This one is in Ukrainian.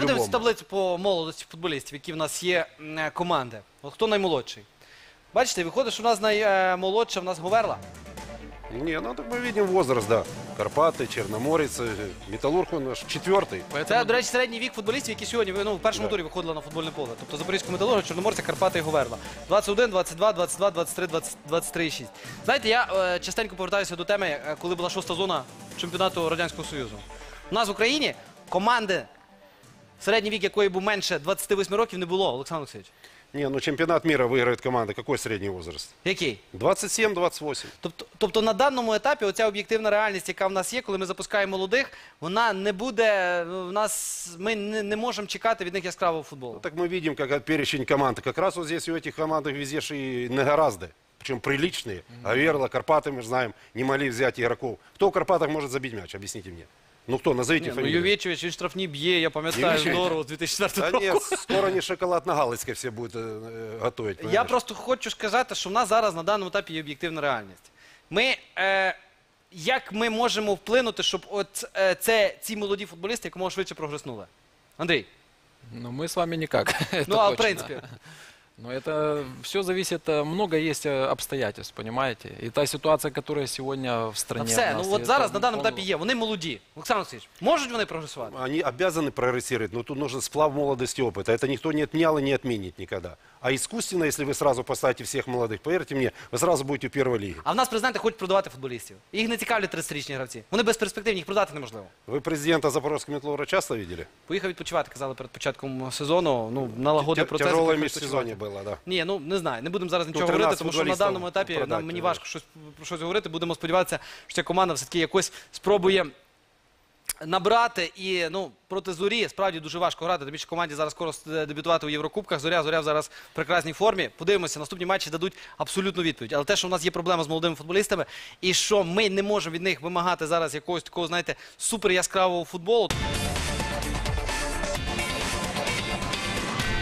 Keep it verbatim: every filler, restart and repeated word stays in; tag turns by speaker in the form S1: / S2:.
S1: подивимося таблицю по молодості футболістів, які в нас є е, команди. От хто наймолодший? Бачите, виходить, що у нас наймолодша, в нас Говерла.
S2: Не, ну так мы видим возраст, да. Карпаты, Черноморец, э, Металлург, он наш четвертый.
S1: Це, до речі, середній вік футболістів, які сьогодні ну, в першому
S2: Да.
S1: турі виходили на футбольне поле. Тобто Запорізького Металурга, Чорноморця, Карпати і Говерла. двадцять один, двадцять два, двадцять два, двадцять три, двадцять, двадцять три і шість. Знаєте, я е, частенько повертаюся до теми, е, коли була шоста зона чемпіонату Радянського Союзу. У нас в Україні команди, середній вік якої був менше двадцяти восьми років, не було, Олександр Олексійович.
S2: Не, ну чемпионат мира выиграет команда. Какой средний возраст?
S1: Який?
S2: двадцать семь — двадцать восемь.
S1: Тобто, тобто на даному етапі оця об'єктивна реальність, яка в нас є, коли ми запускаємо молодих, вона не буде, в нас, ми не, не можемо чекати від них яскравого футболу.
S2: Ну, так мы видим, как перечень команд. Как раз вот здесь у этих команд везде же и не гораздо. Причем приличные. Аверла, Карпаты, мы же знаем, не могли взять игроков. Кто в Карпатах может забить мяч? Объясните мне. Ну кто, назовите
S1: Ні, ну,
S2: фамилию.
S1: Ювєчович, він штрафні б'є, я пам'ятаю,
S2: Ювєчович?
S1: здорово, з дві тисячі четвертого
S2: Да
S1: року.
S2: нет, скоро не шоколад на Галицкой все будут э, готовить.
S1: Я
S2: понимаешь?
S1: просто хочу сказати, що в нас зараз на даному етапі є об'єктивна реальність. Ми, е, як ми можемо вплинути, щоб от, е, це, ці молоді футболісти якомога швидше прогреснули? Андрій,
S3: Ну, мы с вами никак. это
S1: ну а в
S3: точно.
S1: принципі,
S3: Но это все зависит, э, много есть э, обстоятельств, понимаете? И та ситуация, которая сегодня в
S1: та
S3: стране.
S1: все,
S3: у нас,
S1: ну от
S3: это,
S1: зараз на
S3: ну,
S1: даному
S3: он-
S1: етапі є, вони молоді. Олександр Олексійович, можуть вони прогресувати?
S2: Они обязаны прогрессировать, но тут нужен сплав молодости и опыта. Это никто не отменял и не отменит никогда. А искусственно, если вы сразу поставите всех молодых, поверьте мне, вы сразу будете в первой лиге.
S1: А в нас президенти хочуть продавати футболістів. Їх не цікавлять тридцятирічні гравці. Вони безперспективні, їх продати неможливо.
S2: Вы президента Запорожского Металлурга часто видели?
S1: Поїхав відпочивати, казали перед початком сезону. Ну, налагодив
S2: Тя-
S1: процес.
S2: Тяжелое
S1: поїхав
S2: межсезонье
S1: відпочивати.
S2: было, да.
S1: Ні, ну не знаю, не будемо зараз нічого
S2: тринадцять
S1: говорити, тому що на
S2: футболістів
S1: даному етапі
S2: продати,
S1: нам, мені
S2: да.
S1: важко щось, про щось говорити. Будемо сподіватися, що ця команда все-таки якось спробує набрати. І ну, проти Зорі справді дуже важко грати. Тим більше команді зараз скоро дебютувати у Єврокубках. Зоря, Зоря зараз в прекрасній формі. Подивимося, наступні матчі дадуть абсолютну відповідь. Але те, що в нас є проблема з молодими футболістами, і що ми не можемо від них вимагати зараз якогось такого, знаєте, супер яскравого футболу.